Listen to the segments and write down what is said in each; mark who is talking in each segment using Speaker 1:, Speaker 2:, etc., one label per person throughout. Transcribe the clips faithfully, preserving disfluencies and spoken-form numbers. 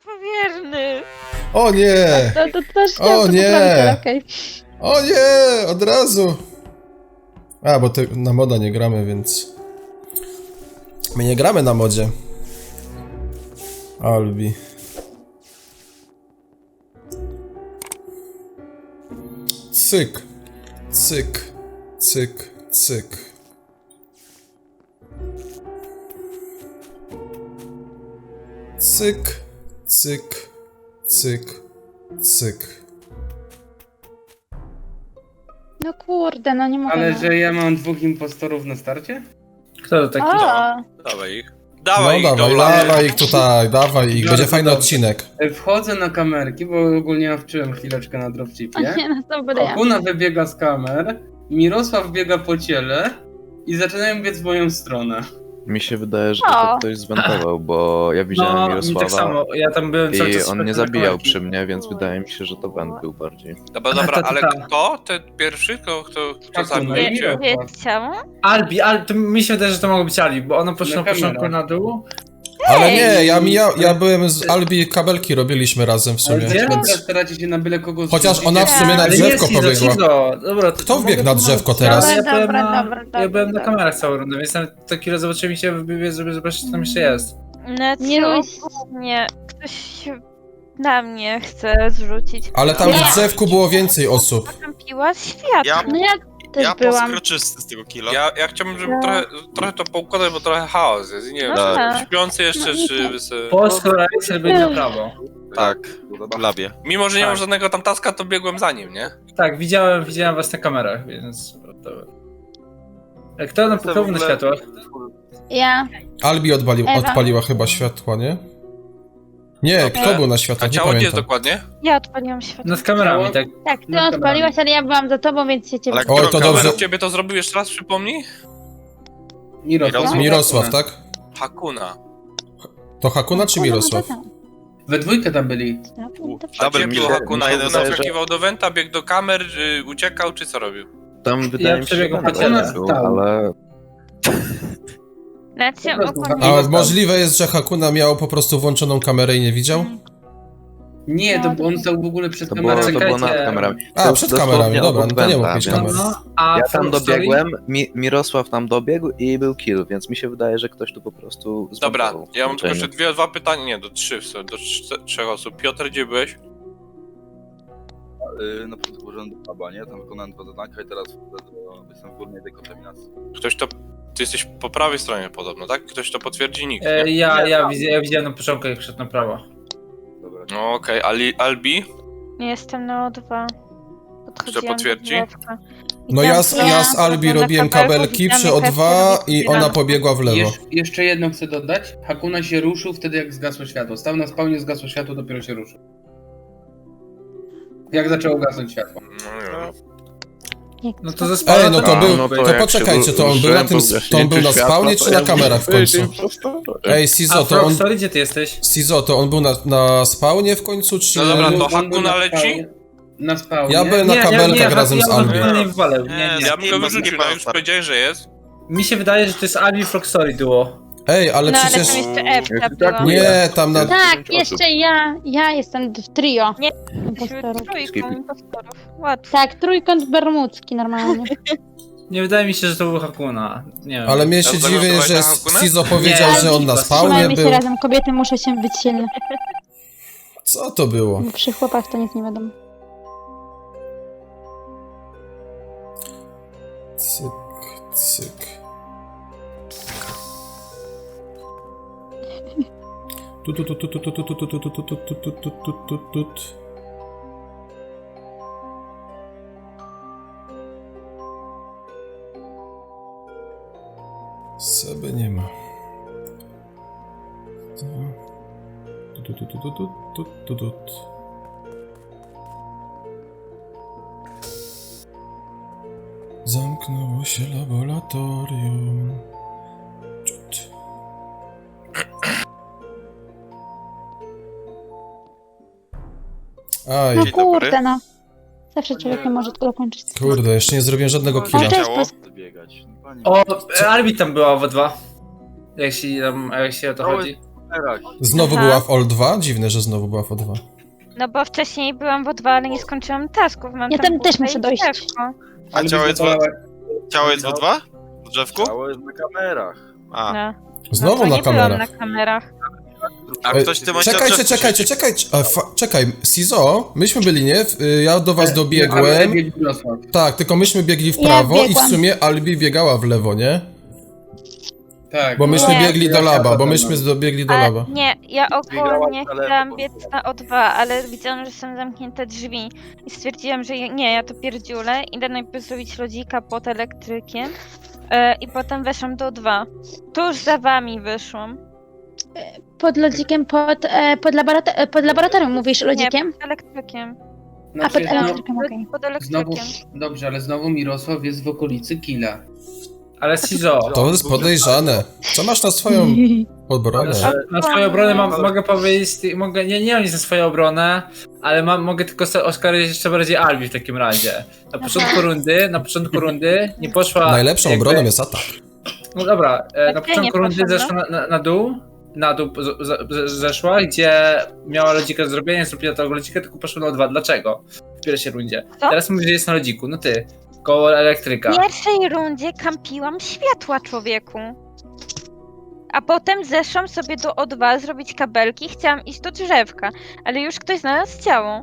Speaker 1: powierny.
Speaker 2: O nie!
Speaker 3: To, to, to też
Speaker 2: O
Speaker 3: chciałam to
Speaker 2: nie!
Speaker 3: poprawić, ale okej.
Speaker 2: O nie! Od razu! A, bo ty, na moda nie gramy, więc... My nie gramy na modzie. Albi. Cyk. Cyk. Cyk. Cyk. Cyk. Cyk. Cyk. Cyk.
Speaker 3: No kurde, no nie mogę.
Speaker 4: Ale
Speaker 3: no.
Speaker 4: że ja mam dwóch impostorów na starcie?
Speaker 5: Kto to taki?
Speaker 3: A,
Speaker 6: Dawaj ich.
Speaker 2: No
Speaker 6: Dawaj ich,
Speaker 2: dawaj,
Speaker 6: dobra.
Speaker 2: dawaj ich tutaj, dawaj ich, będzie fajny odcinek.
Speaker 4: Wchodzę na kamerki, bo ogólnie nawczyłem chwileczkę na
Speaker 3: o
Speaker 4: dropchipie.
Speaker 3: nie, no to będę ja.
Speaker 4: Okuna wybiega z kamer, Mirosław biega po ciele i zaczynają biec w moją stronę.
Speaker 7: Mi się wydaje, że
Speaker 3: O.
Speaker 7: to ktoś zwentował, bo ja widziałem
Speaker 5: No, mi
Speaker 7: Mirosława
Speaker 5: tak samo. Ja tam byłem cały
Speaker 7: i
Speaker 5: czas
Speaker 7: on nie
Speaker 5: na
Speaker 7: zabijał
Speaker 5: kamerki.
Speaker 7: przy mnie, więc wydaje mi się, że to Wend był bardziej.
Speaker 6: Dobra,
Speaker 5: Ale
Speaker 6: dobra,
Speaker 5: to
Speaker 6: ale
Speaker 5: tak.
Speaker 6: kto? Ten pierwszy? Kto, kto, kto
Speaker 4: Tak,
Speaker 6: zabił
Speaker 4: no
Speaker 1: Wie,
Speaker 4: i-
Speaker 6: cię?
Speaker 1: wiecie czemu?
Speaker 5: Albi, Albi, to mi się wydaje, że to mogło być Albi, bo ona poszła
Speaker 4: Na
Speaker 5: na początku
Speaker 4: kamerach.
Speaker 5: na dół.
Speaker 2: Ale nie, ja, ja, ja byłem z Albi, kabelki robiliśmy razem w
Speaker 4: Ale
Speaker 2: sumie,
Speaker 4: dlaczego
Speaker 2: więc...
Speaker 4: teraz staracie się na byle kogo
Speaker 2: Chociaż
Speaker 4: zrzucić?
Speaker 2: ona w sumie na
Speaker 5: Ale
Speaker 2: drzewko
Speaker 5: nie, Cizo,
Speaker 2: pobiegła.
Speaker 5: Cizo. Dobra, to-
Speaker 2: Kto
Speaker 5: to
Speaker 2: wbiegł
Speaker 5: mogę
Speaker 2: na drzewko
Speaker 5: pomóc.
Speaker 2: teraz?
Speaker 5: Ja
Speaker 3: Dobra,
Speaker 5: byłem
Speaker 3: dobra,
Speaker 5: na,
Speaker 3: dobra,
Speaker 5: ja
Speaker 3: dobra,
Speaker 5: byłem na
Speaker 3: dobra.
Speaker 5: kamerach całą rundę, więc tam taki raz zobaczyłem się wybiec, żeby zobaczyć, co tam jeszcze jest.
Speaker 1: Znaczy,
Speaker 3: Nie
Speaker 1: ogólnie ktoś na mnie chce zrzucić.
Speaker 2: Ale tam
Speaker 3: Ja.
Speaker 2: w drzewku było więcej osób.
Speaker 1: Nastąpiła światło.
Speaker 6: Ja-
Speaker 3: No ja też
Speaker 8: Ja
Speaker 3: byłam.
Speaker 8: poskroczysty z tego killa.
Speaker 6: Ja, ja chciałbym, żeby
Speaker 3: No.
Speaker 6: trochę, trochę to poukładać, bo trochę chaos jest. Nie wiem,
Speaker 1: Dobra.
Speaker 6: czy śpiący jeszcze,
Speaker 3: No i
Speaker 6: czy...
Speaker 3: to-
Speaker 6: wysy-
Speaker 5: Po skrajce byli na prawo.
Speaker 8: Tak, labie.
Speaker 6: Mimo, że nie
Speaker 5: Tak.
Speaker 6: mam żadnego tam taska, to biegłem za nim, nie?
Speaker 5: Tak, widziałem, widziałem was na kamerach, więc... E, Kto na kto był na światłach?
Speaker 3: Ja.
Speaker 2: Albi odpali,
Speaker 3: Ewa.
Speaker 2: odpaliła chyba światła, nie? Nie,
Speaker 6: Dobrze.
Speaker 2: kto był na
Speaker 6: A
Speaker 2: światłach, nie
Speaker 6: ciało gdzie jest
Speaker 2: pamiętam.
Speaker 6: dokładnie?
Speaker 1: Ja odpaliłam światło.
Speaker 5: Nad kamerami,
Speaker 4: Ciało?
Speaker 5: tak.
Speaker 3: Tak, ty
Speaker 4: Na
Speaker 3: odpaliłaś, ale ja byłam za tobą, więc się ciebie...
Speaker 8: Ale
Speaker 2: Oj, to
Speaker 8: którą
Speaker 2: dobrze.
Speaker 8: kamerę?
Speaker 6: Ciebie to zrobił jeszcze raz, przypomnij?
Speaker 4: Mirosław.
Speaker 2: Mirosław, tak?
Speaker 6: Hakuna.
Speaker 2: To Hakuna czy Mirosław?
Speaker 4: We dwójkę tam byli.
Speaker 6: A
Speaker 8: Double
Speaker 6: gdzie
Speaker 8: kill.
Speaker 6: był Hakuna?
Speaker 8: Na jeden
Speaker 6: Hakuna
Speaker 7: zależy.
Speaker 6: wskakiwał do Wenta, biegł do kamer, y, uciekał, czy co robił?
Speaker 7: Tam wydaje mi się, że
Speaker 5: przebiegłem
Speaker 7: Wend
Speaker 5: po ciele.
Speaker 7: był,
Speaker 4: Stał.
Speaker 7: ale
Speaker 1: Znaczy,
Speaker 4: Po prostu
Speaker 1: ogólnie...
Speaker 4: Hakuna-
Speaker 2: A możliwe jest, że Hakuna miał po prostu włączoną kamerę i nie widział?
Speaker 4: Nie, to on stał w ogóle przed
Speaker 7: to było,
Speaker 4: kamerą.
Speaker 7: to było nad
Speaker 5: Czekajcie.
Speaker 7: kamerami.
Speaker 2: A,
Speaker 7: To
Speaker 2: przed
Speaker 7: dosłownie
Speaker 2: kamerami, dobra,
Speaker 7: obok
Speaker 2: no to nie
Speaker 7: Wenta,
Speaker 2: mógł mieć
Speaker 7: więc-
Speaker 2: kamery.
Speaker 5: No, a
Speaker 7: Ja tam
Speaker 5: Frog Story?
Speaker 7: dobiegłem, Mi Mirosław tam dobiegł i był kill, więc mi się wydaje, że ktoś tu po prostu
Speaker 6: Dobra,
Speaker 7: zwentował
Speaker 6: ja mam tylko
Speaker 7: włączenie.
Speaker 6: jeszcze dwie, dwa pytania, nie, do trzy, w sumie, do trz- trzech osób. Piotr, gdzie byłeś?
Speaker 9: Yy, na początku użyłem do paba, nie? Tam wykonałem dwa zadania i teraz wchodzę do... jestem w górnej dekontaminacji.
Speaker 6: Ktoś to... Ty jesteś po prawej stronie podobno, tak? Ktoś to potwierdzi? Nikt,
Speaker 5: E,
Speaker 6: nie?
Speaker 5: ja, ja, widzia- ja widziałem na początku, jak szedł na prawo.
Speaker 9: Dobra.
Speaker 6: No okej, Ali Albi?
Speaker 1: Jestem na O dwa. Podchodziłam do
Speaker 6: potwierdzi?
Speaker 1: drzewka.
Speaker 2: No ja z,
Speaker 1: Widziałam-
Speaker 2: ja z Albi
Speaker 1: na
Speaker 2: robiłem
Speaker 1: kabelku,
Speaker 2: kabelki
Speaker 1: widziałam,
Speaker 2: przy
Speaker 1: jak
Speaker 2: O dwa
Speaker 1: Kasia
Speaker 2: i
Speaker 1: robi
Speaker 2: ona
Speaker 1: ścianę.
Speaker 2: pobiegła w lewo.
Speaker 4: Jesz, jeszcze jedno chcę dodać. Hakuna się ruszył wtedy, jak zgasło światło. Stał na spawnie, zgasło światło, dopiero się ruszył. Jak zaczęło gasnąć światło.
Speaker 6: No nie wiem.
Speaker 5: No to ze spawna
Speaker 2: Ej, no to
Speaker 5: tam-
Speaker 2: był,
Speaker 7: no to
Speaker 2: to
Speaker 7: jak
Speaker 2: poczekajcie,
Speaker 7: się
Speaker 2: to on był na tym,
Speaker 7: użyłem,
Speaker 2: to on był na
Speaker 7: światła,
Speaker 2: spawnie
Speaker 7: to
Speaker 2: czy
Speaker 7: ja
Speaker 2: na kamerach w końcu? Ej,
Speaker 5: A
Speaker 2: Sizo, to
Speaker 5: Frog
Speaker 2: on,
Speaker 5: Story, gdzie ty jesteś?
Speaker 2: Sizo, to on był na, na spawnie w końcu, czy...
Speaker 6: No dobra, to
Speaker 4: On był
Speaker 6: Hakuna
Speaker 4: na
Speaker 6: leci?
Speaker 4: spawnie- Na spawnie.
Speaker 2: Ja byłem na
Speaker 5: Nie,
Speaker 2: kabelkach
Speaker 5: ja,
Speaker 2: razem
Speaker 5: ja,
Speaker 2: z
Speaker 5: ja
Speaker 2: Albi.
Speaker 5: bym nie wywalał, nie,
Speaker 8: Nie,
Speaker 5: nie.
Speaker 6: Ja bym go
Speaker 8: nie ma-
Speaker 6: wyrzucił,
Speaker 8: nie ma
Speaker 6: no już
Speaker 8: stary.
Speaker 6: powiedziałeś, że jest.
Speaker 5: Mi się wydaje, że to jest Albi Frog Story duo.
Speaker 2: Ej, ale
Speaker 1: No ale
Speaker 2: przecież...
Speaker 1: tam jeszcze Ewka
Speaker 7: tak
Speaker 1: była.
Speaker 2: Nie, tam na...
Speaker 3: Tak, jeszcze ja. Ja jestem w trio.
Speaker 1: Nie.
Speaker 3: Impostorów.
Speaker 1: Trójką impostorów. Łatwo.
Speaker 3: Tak, trójkąt bermudzki normalnie.
Speaker 5: Nie wydaje mi się, że to był Hakuna. Nie wiem.
Speaker 2: Ale mnie się
Speaker 6: Ja
Speaker 2: dziwię,
Speaker 6: zagłosowałeś
Speaker 2: że
Speaker 6: na Hakunę?
Speaker 2: Sizo powiedział,
Speaker 5: Nie,
Speaker 2: że on na
Speaker 5: nie,
Speaker 2: spawnie
Speaker 3: Trzymajmy się
Speaker 2: był.
Speaker 3: razem, kobiety muszą się być silne.
Speaker 2: Co to było?
Speaker 3: Bo przy chłopach to nic nie wiadomo.
Speaker 2: Cyk, cyk. Tu, tu, tu, tu, tu, tu, tu, tu, tu, tu, tu, tu, tu, tu, tu, tu, tu, tu, tu. Seby nie ma. Tu, tu, tu, tu, tu, tu, tu, tu, tu, tu. Zamknęło się laboratorium. Ciut. Aj,
Speaker 3: No
Speaker 8: Dzień dobry.
Speaker 3: kurde, no. Zawsze człowiek nie może tego dokończyć.
Speaker 2: kurde, jeszcze nie zrobiłem żadnego
Speaker 3: Ale
Speaker 2: killa.
Speaker 3: to jest
Speaker 8: Ciało?
Speaker 3: po...
Speaker 9: Biegać. No, pani...
Speaker 5: O, e, Albi tam była we dwa. Jak się, tam, jak się o to
Speaker 8: Cały-
Speaker 5: chodzi.
Speaker 9: kamerach.
Speaker 2: Znowu
Speaker 1: Aha.
Speaker 2: była w O dwa? Dziwne, że znowu była w O dwa.
Speaker 1: No bo wcześniej byłam w O dwa, ale nie skończyłam tasków. Mam
Speaker 3: Ja
Speaker 1: tam
Speaker 3: tam też
Speaker 1: bułkę
Speaker 3: muszę
Speaker 1: i
Speaker 3: dojść.
Speaker 1: drzewko.
Speaker 6: A ciało jest, w... ciało jest w O dwa? W drzewku?
Speaker 9: Ciało jest na kamerach.
Speaker 6: A.
Speaker 1: No.
Speaker 2: Znowu
Speaker 1: no, to
Speaker 2: na
Speaker 1: nie byłam
Speaker 2: kamerach.
Speaker 1: na kamerach.
Speaker 6: A
Speaker 2: Ej,
Speaker 6: ktoś w tym momencie
Speaker 2: Czekajcie,
Speaker 6: drzewku
Speaker 2: czekajcie,
Speaker 6: siedzi.
Speaker 2: czekajcie. A, fa- czekaj, Sizo, myśmy byli, nie? W- y, Ja do was
Speaker 4: Ale
Speaker 2: dobiegłem.
Speaker 4: biegł Mirosław.
Speaker 2: Tak, tylko myśmy biegli w
Speaker 3: Ja
Speaker 2: prawo i w
Speaker 3: biegłam.
Speaker 2: sumie Albi biegała w lewo, nie?
Speaker 4: Tak.
Speaker 2: Bo myśmy
Speaker 1: Nie.
Speaker 2: biegli do laba, bo myśmy dobiegli do
Speaker 1: Ale
Speaker 2: laba.
Speaker 1: nie, ja ogólnie
Speaker 9: Biegałam na lewo,
Speaker 1: chciałam
Speaker 9: bo-
Speaker 1: biec na O dwa, ale widziałam, że są zamknięte drzwi. I stwierdziłam, że ja- nie, ja to pierdziulę. Idę najpierw zrobić lodzika pod elektrykiem. E, I potem weszłam do O dwa. Tuż za wami wyszłam.
Speaker 3: Pod lodzikiem, pod, e, pod, laborato- e, pod laboratorium mówisz lodzikiem?
Speaker 1: Nie, pod elektrykiem.
Speaker 3: A pod
Speaker 4: Znaczy, znowu,
Speaker 3: elektrykiem, okej.
Speaker 1: Pod
Speaker 4: znowu,
Speaker 1: elektrykiem.
Speaker 4: dobrze, ale znowu Mirosław jest w okolicy Killa.
Speaker 5: Ale Sizo,
Speaker 2: To jest podejrzane. Co masz na swoją obronę?
Speaker 5: na, na swoją obronę mam, mogę powiedzieć, mogę, nie, nie mam nic na swoją obronę, ale mam, mogę tylko se- oskarżyć jeszcze bardziej Albi w takim razie. Na początku rundy, na początku rundy nie poszła...
Speaker 2: Najlepszą
Speaker 5: jakby-
Speaker 2: obroną jest atak.
Speaker 5: No dobra, e, na
Speaker 1: Tak,
Speaker 5: początku
Speaker 1: nie
Speaker 5: rundy
Speaker 1: poszła,
Speaker 5: zeszła na, na, na dół, na dół z, z, z, zeszła, gdzie miała lodzika do zrobienia, nie zrobiła tego lodzika, tylko poszła na O dwa. Dlaczego? W pierwszej rundzie.
Speaker 1: Co?
Speaker 5: Teraz mówisz, że jest na lodziku, no ty, koło elektryka.
Speaker 1: W pierwszej rundzie kampiłam światła, człowieku. A potem zeszłam sobie do O dwa zrobić kabelki, chciałam iść do drzewka, ale już ktoś znalazł ciało.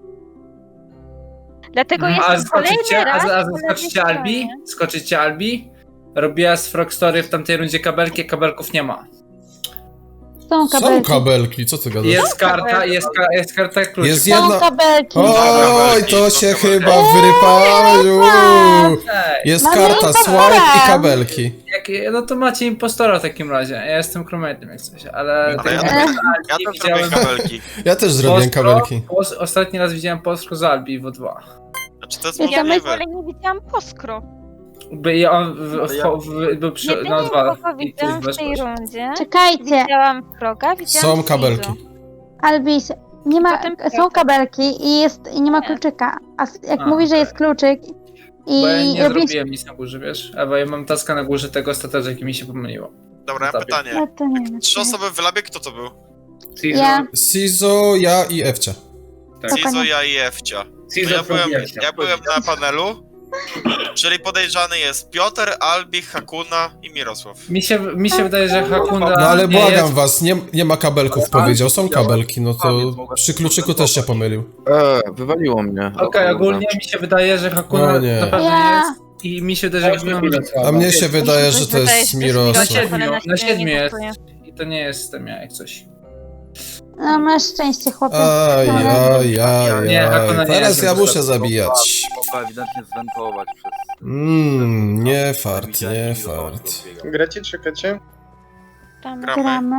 Speaker 1: Dlatego
Speaker 5: Mhm, a
Speaker 1: jestem kolejny
Speaker 5: skoczycie,
Speaker 1: raz
Speaker 5: a, a
Speaker 1: po lewej
Speaker 5: zaskoczycie Albi?
Speaker 1: stronie.
Speaker 5: Skoczycie Albi? Robiła z Frogstory w tamtej rundzie kabelki, a kabelków nie ma.
Speaker 3: Są
Speaker 2: Są
Speaker 3: kabelki.
Speaker 2: kabelki, co ty gadasz?
Speaker 5: Jest karta, jest, ka, jest karta klucz.
Speaker 2: Jest
Speaker 3: Są
Speaker 2: jedna...
Speaker 3: kabelki.
Speaker 2: Oj, to się chyba wyrypało.
Speaker 5: Ej,
Speaker 2: Jest
Speaker 3: Mamy
Speaker 2: karta,
Speaker 3: impostora.
Speaker 2: swipe i kabelki.
Speaker 5: jak, no to macie impostora w takim razie. Ja jestem crewmate'em jak coś, ale...
Speaker 6: Ale
Speaker 5: tak
Speaker 6: ja
Speaker 5: jak
Speaker 6: też-
Speaker 5: Albi
Speaker 6: Ja też
Speaker 5: widziałem-
Speaker 6: robię kabelki.
Speaker 2: Ja też zrobiłem
Speaker 5: Postro-
Speaker 2: kabelki.
Speaker 5: pos- Ostatni raz widziałem Postro z Albi w O dwa.
Speaker 6: Znaczy to jest
Speaker 3: Ja
Speaker 1: Ja
Speaker 6: możliwe.
Speaker 1: ale nie widziałam poskro.
Speaker 5: By, i on w, w, w, w, był przy,
Speaker 1: Jedynie
Speaker 5: na O dwa.
Speaker 1: kogo
Speaker 5: I ty
Speaker 1: widziałam w tej
Speaker 5: weszłaś.
Speaker 1: rundzie,
Speaker 3: Czekajcie,
Speaker 1: widziałam Froga, widziałam
Speaker 2: Są kabelki.
Speaker 1: Sizo.
Speaker 3: Albis, nie ma,
Speaker 1: Potem
Speaker 3: są kabelki i, jest, i nie ma
Speaker 1: Nie.
Speaker 3: kluczyka. A s- jak
Speaker 5: A,
Speaker 3: mówisz, że
Speaker 5: okej.
Speaker 3: jest kluczyk i
Speaker 5: Bo ja nie
Speaker 3: robisz...
Speaker 5: zrobiłem nic na górze, wiesz? Ewa, ja mam taska na górze tego strategii, mi się pomyliło.
Speaker 6: Dobra, ja mam pytanie.
Speaker 3: No to nie wiem.
Speaker 6: Trzy osoby w labie, kto to był?
Speaker 4: Cizo,
Speaker 3: Ja.
Speaker 2: Sizo, ja i Ewcia.
Speaker 4: tak.
Speaker 3: Spoko.
Speaker 6: Cizo, ja i Ewcia. To
Speaker 4: Cizo
Speaker 6: ja byłem,
Speaker 4: Frogiercia.
Speaker 6: ja byłem na panelu, czyli podejrzany jest Piotr, Albi, Hakuna i Mirosław.
Speaker 5: Mi się, mi się wydaje, że Hakunda...
Speaker 2: No ale
Speaker 5: nie
Speaker 2: błagam
Speaker 5: jest...
Speaker 2: was, nie, nie ma kabelków, powiedział. Są kabelki, no to przy kluczyku też się pomylił.
Speaker 7: Eee, wywaliło mnie.
Speaker 5: Okej, ogólnie mi się wydaje, że Hakuna
Speaker 2: O nie.
Speaker 5: na pewno
Speaker 3: Ja.
Speaker 5: jest. I mi się wydaje, że Hakuna...
Speaker 2: A mnie się wydaje, że to jest
Speaker 5: Na
Speaker 2: Mirosław.
Speaker 5: siedmiu, na siedmiu
Speaker 1: nie
Speaker 5: jest.
Speaker 1: kupuję.
Speaker 5: I to nie jestem ja, jak coś.
Speaker 3: No masz szczęście, chłopie.
Speaker 2: Aj, aj, aj,
Speaker 5: Nie, Hakuna
Speaker 2: aj.
Speaker 5: nie
Speaker 2: Teraz
Speaker 5: jest
Speaker 2: ja muszę
Speaker 5: Mirosław.
Speaker 2: zabijać.
Speaker 9: Mogła ewidentnie zwentować przez...
Speaker 2: Mmm, nie fart, nie fart.
Speaker 10: Gracie, czekacie?
Speaker 1: Tam.
Speaker 6: Gramy.
Speaker 3: Gramy.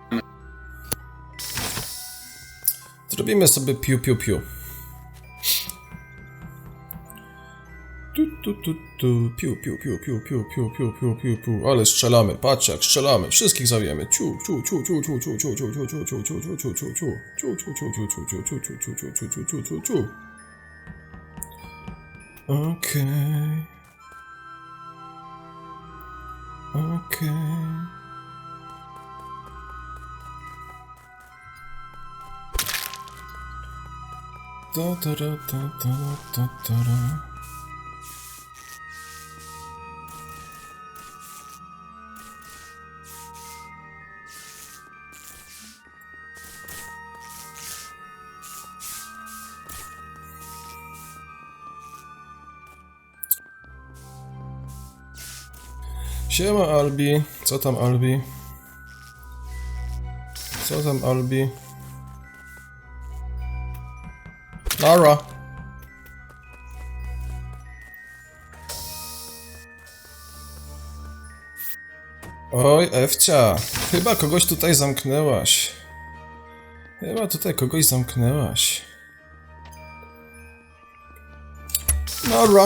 Speaker 2: Zrobimy sobie piu piu piu. Tu, tu, tu, tu. Piu, piu, piu, piu, piu, piu, piu, piu, piu, piu. Ale strzelamy, patrzcie jak strzelamy. Wszystkich zabijemy. Ciu, ciu, ciu, ciu, ciu, ciu, ciu, ciu, ciu, ciu, ciu, ciu, ciu, ciu, ciu, ciu. Ciu, ciu, ciu, ciu, ciu, ciu, ciu, ciu, ciu, ciu, ciu, ciu, ciu, ciu. Okej. Okej. Da, da, da, da, da, da, da, da. Siema Albi, co tam Albi? Co tam Albi? Nara. Oj, Ewcia, chyba kogoś tutaj zamknęłaś. Chyba tutaj kogoś zamknęłaś. Nara.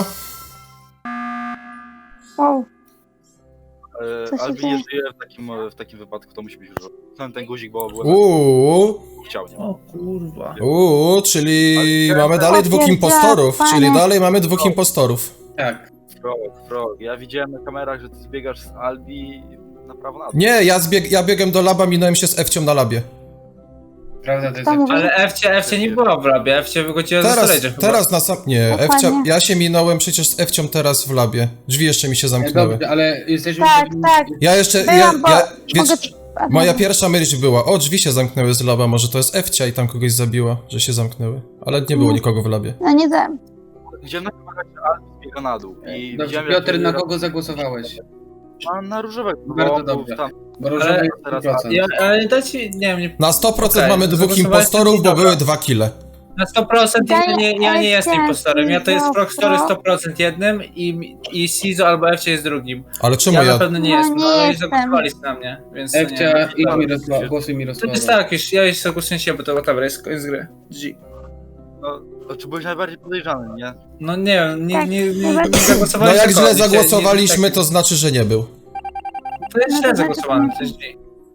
Speaker 3: Wow.
Speaker 9: E,
Speaker 3: Co się
Speaker 9: Albi
Speaker 3: dzieje?
Speaker 9: nie żyje w takim, w takim wypadku, to musi być już... Ten, ten guzik, bo byłem
Speaker 2: Uuu,
Speaker 9: chciał, nie?
Speaker 5: O kurwa.
Speaker 2: uuu, czyli
Speaker 9: Ale-
Speaker 2: mamy dalej dwóch
Speaker 3: Potwierdza,
Speaker 2: impostorów,
Speaker 3: panie.
Speaker 2: czyli dalej mamy dwóch impostorów.
Speaker 4: Tak.
Speaker 9: Frog, Frog. Ja widziałem na kamerach, że ty zbiegasz z Albi, na prawo na dół.
Speaker 2: Nie, ja, zbieg, ja biegłem do laba, minąłem się z Ewcią na labie.
Speaker 4: Prawda, to jest...
Speaker 3: To mówię.
Speaker 5: Ale Ewcie, Ewcie nie była w labie, Ewcie wychodziła ze
Speaker 2: Teraz,
Speaker 5: storage'a chyba.
Speaker 2: teraz na sam... Nie,
Speaker 3: Dokładnie.
Speaker 2: Ewcia, ja się minąłem przecież z Ewcią teraz w labie. Drzwi jeszcze mi się zamknęły.
Speaker 4: Dobrze, ale jesteśmy...
Speaker 3: Tak, tak.
Speaker 2: Ja jeszcze, ja,
Speaker 3: Byłam, bo
Speaker 2: ja,
Speaker 3: mogę...
Speaker 2: wiesz, moja pierwsza myśl była, o, drzwi się zamknęły z laba, może to jest Ewcia i tam kogoś zabiła, że się zamknęły. Ale nie było nikogo w labie.
Speaker 3: No nie dam.
Speaker 9: Widziałem na kamerach, że Albi biega na dół. I
Speaker 4: Dobrze,
Speaker 9: widziałem,
Speaker 4: Piotr,
Speaker 9: jak-
Speaker 4: na kogo zagłosowałeś?
Speaker 9: Na, na różowego.
Speaker 4: Bardzo
Speaker 9: bo- bo
Speaker 4: dobrze.
Speaker 9: Tam,
Speaker 4: Bo różowy
Speaker 5: Ale-
Speaker 4: jest sto procent.
Speaker 5: Ja, ale dajcie, nie wiem, nie,
Speaker 2: Na sto procent
Speaker 5: Okej,
Speaker 2: mamy dwóch
Speaker 5: zagłosowałeś
Speaker 2: impostorów,
Speaker 5: na
Speaker 2: bo
Speaker 5: Dobra.
Speaker 2: były dwa kile.
Speaker 5: na sto procent ja nie, ja nie jestem
Speaker 3: Ewcia,
Speaker 5: impostorem, ja to jest
Speaker 3: Sizo,
Speaker 5: Frogstory
Speaker 3: Fro-
Speaker 5: sto procent jednym i, i Sizo albo Ewcie jest drugim.
Speaker 2: Ale czemu
Speaker 5: Ja
Speaker 2: ja...
Speaker 5: na pewno nie
Speaker 3: No,
Speaker 5: jestem,
Speaker 3: nie
Speaker 5: no ale
Speaker 3: jestem.
Speaker 5: zagłosowaliście na mnie, więc to nie
Speaker 4: Ewcia i
Speaker 5: wiem.
Speaker 4: Mirosław, głosuj
Speaker 5: To
Speaker 4: Mirosława.
Speaker 5: jest tak, już, ja już zagłosuję się, bo to whatever, jest koniec gry. G.
Speaker 9: no, to czy byłeś najbardziej podejrzany, nie?
Speaker 5: No nie wiem, nie,
Speaker 3: Tak,
Speaker 5: nie, nie, nie
Speaker 3: najbardziej-
Speaker 2: No
Speaker 5: zagłosowaliście.
Speaker 2: jak źle
Speaker 5: kogoś, nie- nie-
Speaker 2: zagłosowaliśmy,
Speaker 5: tak-
Speaker 2: to znaczy, że nie był.
Speaker 5: To jest
Speaker 3: No
Speaker 5: źle
Speaker 3: to
Speaker 5: zagłosowany,
Speaker 3: znaczy-
Speaker 5: to jest G.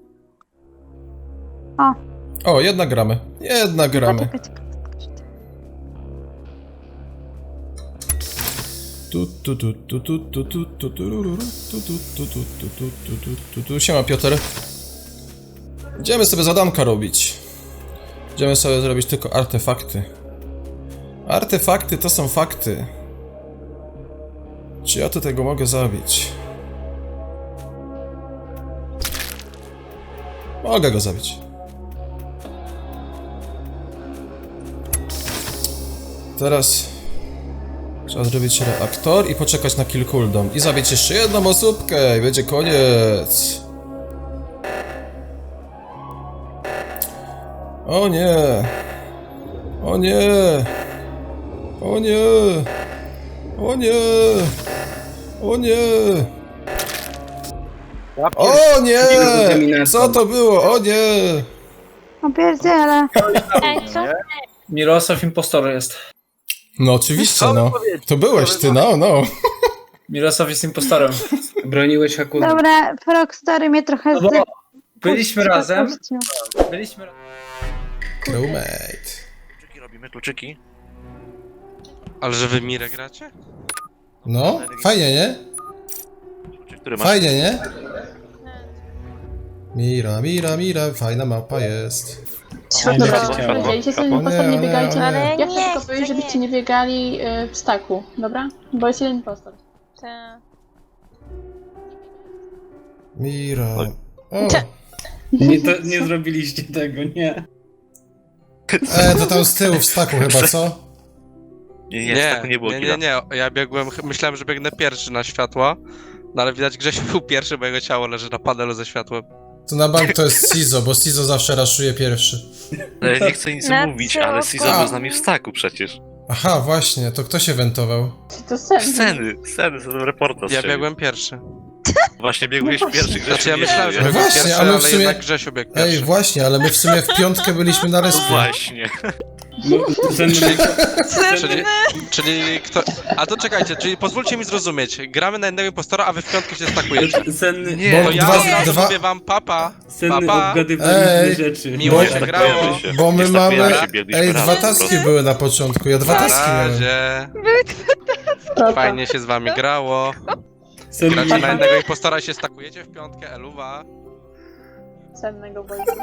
Speaker 2: O, jedna gramy. Jedna gramy.
Speaker 3: Czekaj, czekaj.
Speaker 2: Tu, tu, tu, tu, tu, tu, tu, tu, tu, rururu, tu, tu, tu, tu, tu, tu, tu, tu, tu, tu. Siema, Piotr. Idziemy sobie zadanka robić. Idziemy sobie zrobić tylko artefakty. Artefakty to są fakty. Czy ja tu tego mogę zabić? Mogę go zabić. Teraz trzeba zrobić reaktor i poczekać na kill cooldown. I zabić jeszcze jedną osóbkę i będzie koniec. O nie. O nie. O nie. O nie. O nie. O nie. Co to było? O nie.
Speaker 3: O pierdziele.
Speaker 1: Ej, co?
Speaker 5: Mirosław impostor jest.
Speaker 2: No oczywiście, no. To byłeś ty, no, no.
Speaker 5: Mirosław jest impostorem.
Speaker 4: Broniłeś Hakuna.
Speaker 3: Dobra, Frogstory mnie trochę
Speaker 5: No bo
Speaker 3: zdy...
Speaker 5: byliśmy razem, byliśmy razem.
Speaker 2: Crewmate.
Speaker 8: Kluczyki robimy, kluczyki.
Speaker 10: Ale że wy Mirę gracie?
Speaker 2: No, fajnie, nie?
Speaker 8: Kluczyk, który masz?
Speaker 2: Fajnie, nie? Mira, mira, mira, fajna mapa jest.
Speaker 4: Dobra,
Speaker 8: Światło,
Speaker 4: chciałem.
Speaker 8: światło,
Speaker 11: Jeżeli
Speaker 8: światło.
Speaker 11: impostor nie
Speaker 2: Nie,
Speaker 11: biegajcie,
Speaker 2: nie,
Speaker 1: Ale
Speaker 11: ja chcę
Speaker 1: nie
Speaker 11: tylko
Speaker 1: chcę,
Speaker 11: powiedzieć, żebyście
Speaker 1: nie.
Speaker 11: nie biegali y, w staku, dobra? Bo jest jeden impostor.
Speaker 1: Ta.
Speaker 2: Mira. O,
Speaker 1: Cze-
Speaker 4: Nie, to, nie zrobiliście tego, nie.
Speaker 2: e, to tam z tyłu w staku chyba, co?
Speaker 8: Nie, nie,
Speaker 10: Nie,
Speaker 8: tak nie było
Speaker 10: nie,
Speaker 8: killa.
Speaker 10: nie, nie, ja biegłem, ch- myślałem, że biegnę pierwszy na światła, no ale widać Grzesiu był pierwszy, bo jego ciało leży na panelu ze światłem.
Speaker 2: To na bank to jest Sizo, bo Sizo zawsze raszuje pierwszy.
Speaker 8: Ale nie chcę nic
Speaker 1: Na
Speaker 8: mówić,
Speaker 1: co?
Speaker 8: ale Sizo był z nami w staku przecież.
Speaker 2: Aha, właśnie, to kto się wentował?
Speaker 11: To sen.
Speaker 8: Sceny, sceny, są reportaż.
Speaker 10: Ja biegłem pierwszy.
Speaker 8: Właśnie biegłeś pierwszy, Grzesiu.
Speaker 10: Znaczy ja
Speaker 8: nie
Speaker 10: myślałem, że
Speaker 8: żyje.
Speaker 2: No
Speaker 10: biegłem
Speaker 2: właśnie,
Speaker 10: pierwszy,
Speaker 2: ale
Speaker 10: ale,
Speaker 2: w sumie-
Speaker 10: jednak Grzesiu biegł
Speaker 2: Ej,
Speaker 10: pierwszy.
Speaker 2: właśnie, ale my w sumie w piątkę byliśmy na
Speaker 8: No
Speaker 2: respie.
Speaker 8: właśnie.
Speaker 4: No, cenny,
Speaker 10: Czyli, czyli kto... A to czekajcie, czyli pozwólcie mi zrozumieć, gramy na jednego impostora, a wy w piątkę się stakujecie.
Speaker 4: senny,
Speaker 8: Nie,
Speaker 2: Bo
Speaker 10: To ja
Speaker 2: dwa-
Speaker 10: od razu
Speaker 2: dwa-
Speaker 10: mówię wam papa,
Speaker 4: senny
Speaker 10: papa,
Speaker 4: obgadywaliśmy
Speaker 2: Ej,
Speaker 4: rzeczy.
Speaker 10: miło
Speaker 2: Bo-
Speaker 10: się
Speaker 8: tak
Speaker 10: grało.
Speaker 8: kojarzy się.
Speaker 2: Bo my
Speaker 8: Nie
Speaker 2: mamy...
Speaker 8: stakujemy się, biegliśmy
Speaker 2: Ej,
Speaker 8: razem
Speaker 2: dwa
Speaker 8: po
Speaker 2: taski
Speaker 8: prostu.
Speaker 2: były na początku, ja dwa
Speaker 10: Na
Speaker 2: taski miałem.
Speaker 10: razie, fajnie się z wami grało.
Speaker 4: Senny,
Speaker 10: Gracie na jednego impostora i się stakujecie w piątkę, eluwa.
Speaker 11: Sennego wojska.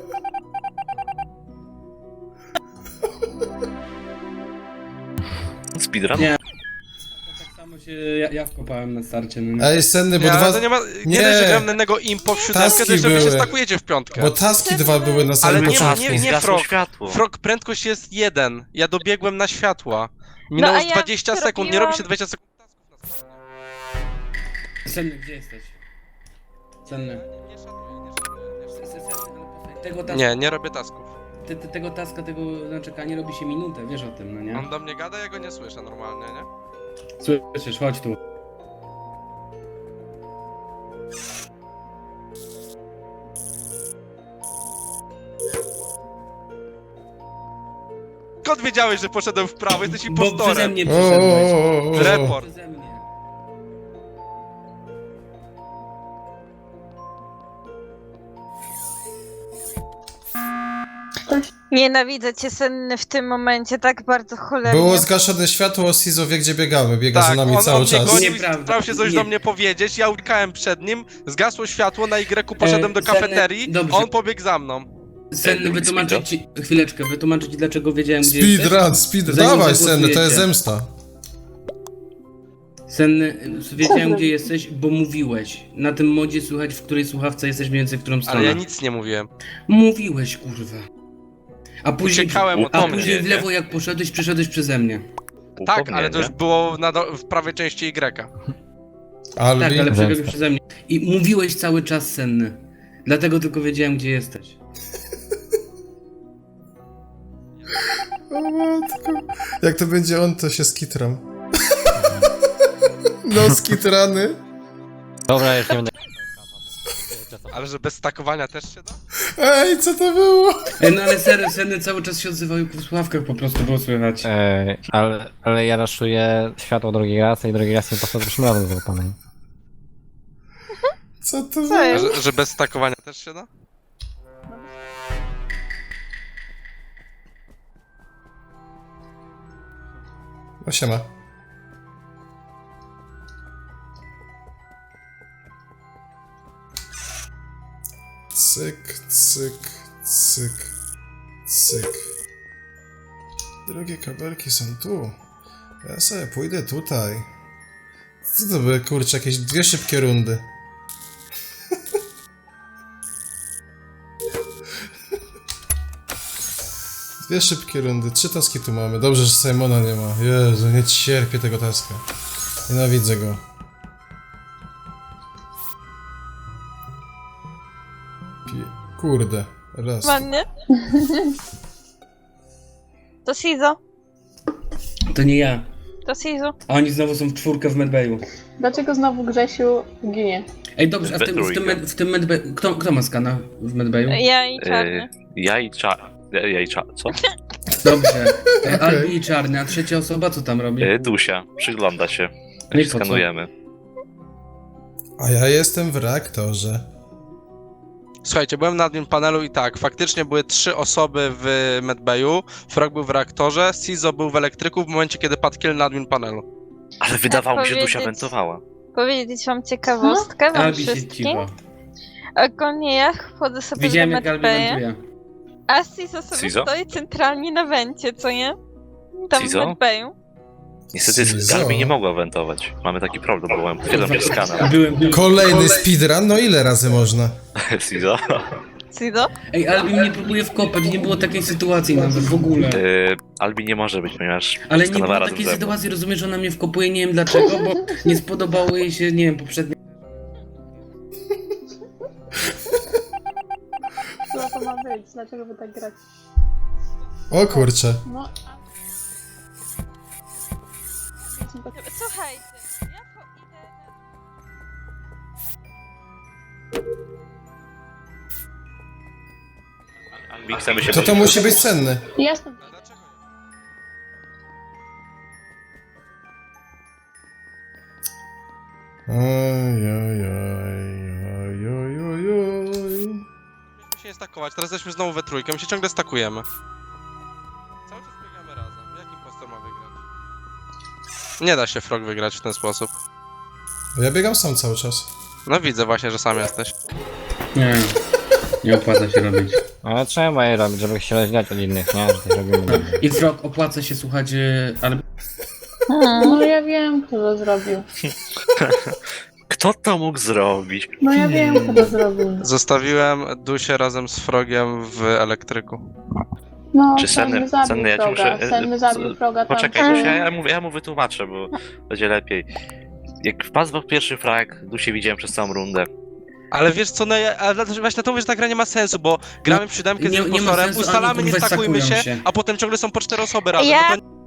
Speaker 8: Speedrun?
Speaker 4: Nie. tak samo się ja, ja wkopałem na starcie. No, nie?
Speaker 2: Ej, senny, bo
Speaker 10: Nie, ale
Speaker 2: dwa...
Speaker 10: to nie ma...
Speaker 2: Nie.
Speaker 10: Nie dość, że gram na jednego impo w siódemkę,
Speaker 2: Taski
Speaker 10: to jeszcze wy się
Speaker 2: były.
Speaker 10: stakujecie w piątkę.
Speaker 2: Bo taski dwa były na
Speaker 10: Ale
Speaker 2: samym
Speaker 10: nie,
Speaker 2: początku.
Speaker 10: nie, nie,
Speaker 8: Zgasło
Speaker 10: frog.
Speaker 8: światło.
Speaker 10: Frog, prędkość jest jeden. Ja dobiegłem na światła.
Speaker 1: No,
Speaker 10: Minęło
Speaker 1: a
Speaker 10: z
Speaker 1: ja
Speaker 10: dwadzieścia sekund, nie
Speaker 1: zrobiłam-
Speaker 10: robi się dwadzieścia sekund tasków na spokojnie.
Speaker 4: Senny, gdzie jesteś? Senny.
Speaker 10: Nie szanuję, nie szanuję, nie
Speaker 4: Se- se-
Speaker 10: szanuję.
Speaker 4: senny, ale posłuchaj, Tego taska,
Speaker 10: Nie, nie robię tasków.
Speaker 4: te, te, tego taska, tego na czekanie robi się minutę, wiesz o tym, no nie?
Speaker 10: On do mnie gada, ja go nie słyszę normalnie, nie?
Speaker 4: Słyszysz, chodź tu.
Speaker 10: Skąd wiedziałeś, że poszedłem w prawo? Jesteś
Speaker 4: Bo przeze
Speaker 10: impostorem.
Speaker 4: mnie
Speaker 2: O,
Speaker 4: przyszedłeś.
Speaker 2: o, o, o.
Speaker 10: Report.
Speaker 4: Przeze mnie.
Speaker 1: Nienawidzę cię, Senny, w tym momencie tak bardzo cholernie.
Speaker 2: Było zgaszone światło, Sizo wie gdzie biegamy, biega za
Speaker 10: Tak,
Speaker 2: nami
Speaker 10: on,
Speaker 2: cały
Speaker 10: on mnie
Speaker 2: czas.
Speaker 10: gonił i
Speaker 4: Nieprawda.
Speaker 10: starał się coś
Speaker 4: Nie.
Speaker 10: do mnie powiedzieć, ja uciekałem przed nim, zgasło światło, na Y poszedłem do
Speaker 4: E, Senny,
Speaker 10: kafeterii,
Speaker 4: dobrze.
Speaker 10: on pobiegł za mną.
Speaker 4: Senny, wytłumaczyć ci... Chwileczkę, wytłumaczyć ci, dlaczego wiedziałem, gdzie jesteś.
Speaker 2: Speedrun, speedrun.
Speaker 4: Zanim
Speaker 2: Dawaj, Senny, to jest
Speaker 4: zagłosujecie.
Speaker 2: zemsta.
Speaker 4: Senny, wiedziałem, gdzie jesteś, bo mówiłeś. Na tym modzie słychać, w której słuchawce jesteś mniej więcej w którą stronę.
Speaker 10: Ale ja nic nie mówiłem.
Speaker 4: Mówiłeś, kurwa. A później,
Speaker 10: Uciekałem od
Speaker 4: a
Speaker 10: mnie,
Speaker 4: później w
Speaker 8: nie?
Speaker 4: lewo jak poszedłeś, przeszedłeś przeze mnie.
Speaker 10: Tak, ale to już było na do, w prawej części Y.
Speaker 2: Albi.
Speaker 4: Tak, ale przebiegłeś przeze mnie. I mówiłeś cały czas, Senny. Dlatego tylko wiedziałem, gdzie jesteś.
Speaker 2: O matko. Jak to będzie on, to się skitram. No skitrany.
Speaker 12: Dobra, już nie będę.
Speaker 10: Ale że bez stakowania też się da?
Speaker 2: Ej, co to było?
Speaker 4: E, No ale serio, Senny cały czas się odzywał i w słuchawkach po prostu było słychać.
Speaker 12: Ej, ale, ale ja raszuję światło drugi raz i drugi raz nie poszedł już razem z panem.
Speaker 2: Co to
Speaker 1: Co
Speaker 2: było?
Speaker 1: jest?
Speaker 10: Że, że bez stakowania też się da?
Speaker 2: No siema. Cyk, cyk, cyk, cyk. Drogie kabelki są tu. Ja sobie pójdę tutaj. Co to były, kurczę, jakieś dwie szybkie rundy. Dwie szybkie rundy, trzy taski tu mamy. Dobrze, że Simona nie ma. Jezu, nie cierpię tego taska. Nienawidzę go. Pi- Kurde, raz.
Speaker 1: Ładnie. To Sizo.
Speaker 4: To nie ja.
Speaker 1: To Sizo.
Speaker 4: A oni znowu są w czwórkę w medbayu.
Speaker 11: Dlaczego znowu Grzesiu ginie?
Speaker 4: Ej, dobrze, a w tym, w tym, med, w tym medbayu... Kto, kto ma skana w medbayu?
Speaker 1: Ja i Czarny.
Speaker 8: Ja i cza... Ja i cza... co?
Speaker 4: Dobrze. E,
Speaker 2: Okej.
Speaker 4: Albi i Czarny, a trzecia osoba co tam robi?
Speaker 8: E, Dusia, przygląda się.
Speaker 4: No i
Speaker 8: Jak
Speaker 4: po co?
Speaker 8: skanujemy.
Speaker 2: A ja jestem w reaktorze.
Speaker 10: Słuchajcie, byłem na admin panelu i tak, faktycznie były trzy osoby w medbayu, Frog był w reaktorze, Sizo był w elektryku w momencie, kiedy padł kill na admin panelu.
Speaker 8: Ale wydawało mi się, że Dusia
Speaker 1: powiedzieć-
Speaker 8: wentowała.
Speaker 1: Powiedzieć wam ciekawostkę, wam
Speaker 4: Albi się
Speaker 1: wszystkim.
Speaker 4: cicho.
Speaker 1: Ogólnie ja wchodzę sobie
Speaker 4: Widziałem
Speaker 1: do
Speaker 4: jak Albi
Speaker 1: medbaya,
Speaker 4: wentuje.
Speaker 1: a Sizo sobie
Speaker 8: Sizo?
Speaker 1: stoi centralnie na wencie, co nie? Tam
Speaker 8: Sizo?
Speaker 1: w medbayu.
Speaker 8: Niestety
Speaker 2: Sizo.
Speaker 8: Galbi nie mogła wentować. Mamy taki problem, bo mam potwierdzam przez skana.
Speaker 4: Byłem tam.
Speaker 2: Kolejny speedrun? No ile razy można?
Speaker 8: Sizo?
Speaker 1: Sizo?
Speaker 4: Ej, Albi mnie próbuje wkopać, nie było takiej sytuacji nawet w ogóle.
Speaker 8: E, Albi nie może być, ponieważ
Speaker 4: Ale nie
Speaker 8: skanowała
Speaker 4: było
Speaker 8: razem
Speaker 4: takiej
Speaker 8: ze mną.
Speaker 4: sytuacji, rozumiesz, że ona mnie wkopuje, nie wiem dlaczego, bo nie spodobało jej się, nie wiem, poprzednie...
Speaker 11: Co to ma być? Dlaczego wy tak gracie?
Speaker 2: O kurczę.
Speaker 11: No,
Speaker 1: Słuchajcie, ja po idę...
Speaker 8: Albi, chcemy się
Speaker 2: To to musi być cenny.
Speaker 11: jasne.
Speaker 2: Oj, oj, oj, oj, oj, oj.
Speaker 10: Mieliśmy się nie stakować, teraz jesteśmy znowu we trójkę, my się ciągle stakujemy. Cały czas biegamy razem, jak impostor ma wygrać? Nie da się Frog wygrać w ten sposób.
Speaker 2: Ja biegam sam cały czas.
Speaker 10: No widzę właśnie, że sam jesteś.
Speaker 4: Nie, nie opłaca się robić.
Speaker 12: Ale trzeba je robić, żeby się rozdzielać od innych, nie? Że coś robimy.
Speaker 4: I Frog, opłaca się słuchać e, Albi.
Speaker 11: No ja wiem, kto to zrobił.
Speaker 8: Kto to mógł zrobić?
Speaker 11: No ja wiem, kto to zrobił.
Speaker 10: Zostawiłem Dusię razem z Frogiem w elektryku.
Speaker 11: No,
Speaker 8: Czy Senny,
Speaker 11: Senny zabił
Speaker 8: Senny, ja ci
Speaker 11: Froga.
Speaker 8: muszę... e,
Speaker 11: Senny zabił Froga tam.
Speaker 8: Poczekaj, Dusia, ja mu, ja mu wytłumaczę, bo będzie lepiej. Jak wpadł w pierwszy frag, Dusię widziałem przez całą rundę.
Speaker 10: Ale wiesz co, no ja, ale dlatego- właśnie na to mówię, że ta gra nie ma sensu, bo gramy w siódemkę z
Speaker 4: nie- nie ma
Speaker 10: impostorem,
Speaker 4: sensu,
Speaker 10: ustalamy,
Speaker 4: ani
Speaker 10: nie
Speaker 4: kurwa
Speaker 10: stakujmy się,
Speaker 4: stakują się.
Speaker 10: a potem ciągle są po cztery osoby razem.
Speaker 1: Ja-
Speaker 10: No to...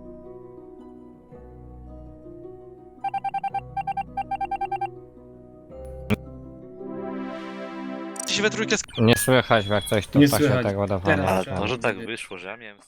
Speaker 10: się we trójkę
Speaker 12: Nie słychać, jak coś tu
Speaker 4: Nie
Speaker 12: pasie
Speaker 4: słychać.
Speaker 12: tak ładowane.
Speaker 4: Teraz.
Speaker 8: A może tak wyszło, że ja miałem...